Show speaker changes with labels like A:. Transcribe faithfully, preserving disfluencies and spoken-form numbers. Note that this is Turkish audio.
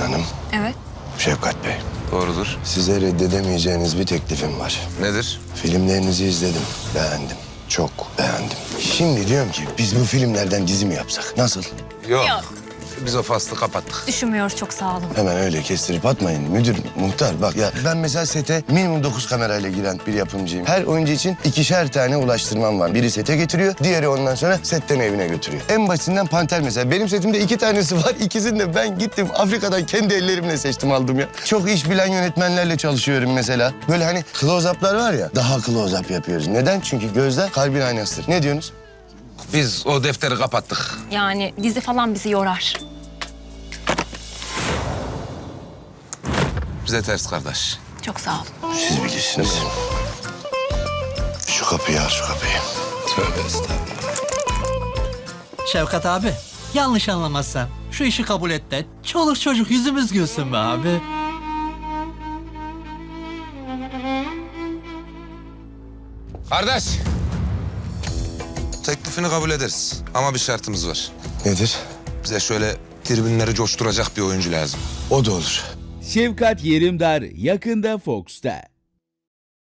A: Hanım,
B: Evet.
A: Şefkat Bey.
C: Doğrudur.
A: Size reddedemeyeceğiniz bir teklifim var.
C: Nedir?
A: Filmlerinizi izledim, beğendim. Çok beğendim. Şimdi diyorum ki biz bu filmlerden dizi mi yapsak? Nasıl?
C: Yok.
B: Yok.
C: Biz o faslı kapattık.
B: Düşünmüyoruz, çok sağ olun.
A: Hemen öyle kestirip atmayın müdür, muhtar. Bak ya ben mesela sete minimum dokuz kamerayla giren bir yapımcıyım. Her oyuncu için ikişer tane ulaştırmam var. Biri sete getiriyor, diğeri ondan sonra setten evine götürüyor. En basitinden Panter mesela. Benim setimde iki tanesi var. İkisini de ben gittim Afrika'dan kendi ellerimle seçtim aldım ya. Çok iş bilen yönetmenlerle çalışıyorum mesela. Böyle hani close-up'lar var ya, daha close-up yapıyoruz. Neden? Çünkü gözler kalbin aynasıdır. Ne diyorsunuz?
C: Biz o defteri kapattık.
B: Yani dizi falan bizi yorar.
C: Bize ters kardeş.
B: Çok sağ olun.
A: Siz bilirsiniz. Şu kapıyı al, şu kapıyı.
C: Tövbe estağfurullah.
D: Şevkat abi, yanlış anlamazsan şu işi kabul et de çoluk çocuk yüzümüz gülsün be abi.
C: Kardeş. Teklifini kabul ederiz ama bir şartımız var.
A: Nedir?
C: Bize şöyle tribünleri coşturacak bir oyuncu lazım.
A: O da olur.
E: Şefkat Yerimdar yakında Fox'ta.